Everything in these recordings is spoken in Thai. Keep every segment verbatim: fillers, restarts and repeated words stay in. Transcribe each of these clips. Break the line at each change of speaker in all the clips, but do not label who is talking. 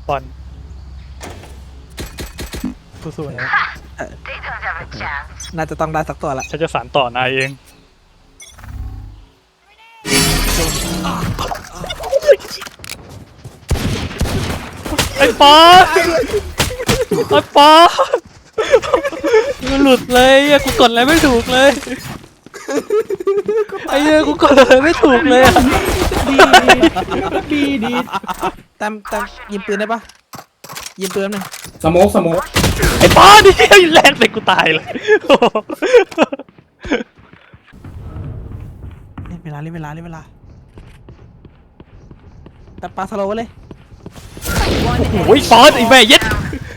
บอลสู้ๆนะ
น่าจะต้องได้สักตัวละ
ฉันจะสานต่อนายเองไอ้ปอไอ้ปอมันหลุดเลยอะกูกดอะไรไม่ถูกเลยไอ้เหี้ยกูกดอะไรไม่ถูกเลยอะ
ดีดี
แต้มแต้มยิงปืนได้ปะยิงปืนหนึ่ง
สโมกสโมก
ไอ้ปอนี่แรกเลยกูตายเลย
เล่นเวลาเล่นเวลาเล่นเวลาแต่ปลาสโลว์ไว้เลย
โอ้ยปอนไอ้แม่เย็ด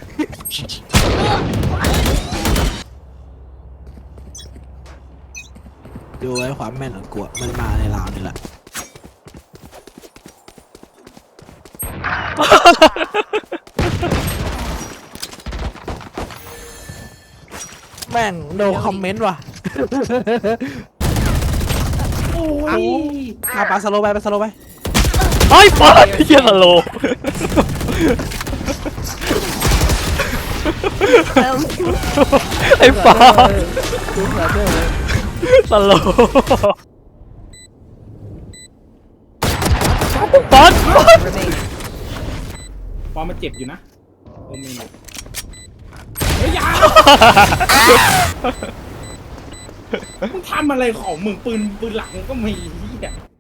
ดูไว้ความแม่นของกูอะมันมาในราวนี่แหละแม่งโนคอมเมนต์ว่ะ
โอ้ย
เอาปลาสโลว์ไปปลาสโลว์ไป
ไอ้ปอนไอ้เหี้ยสโลว์ไอ้ปอนสโลว์ปอนปอน
ปอมมันเจ็บอยู่นะโอเมนเฮ้ยอยามึงทำอะไรของมึงปืนปืนหลังก็มีเหี้ย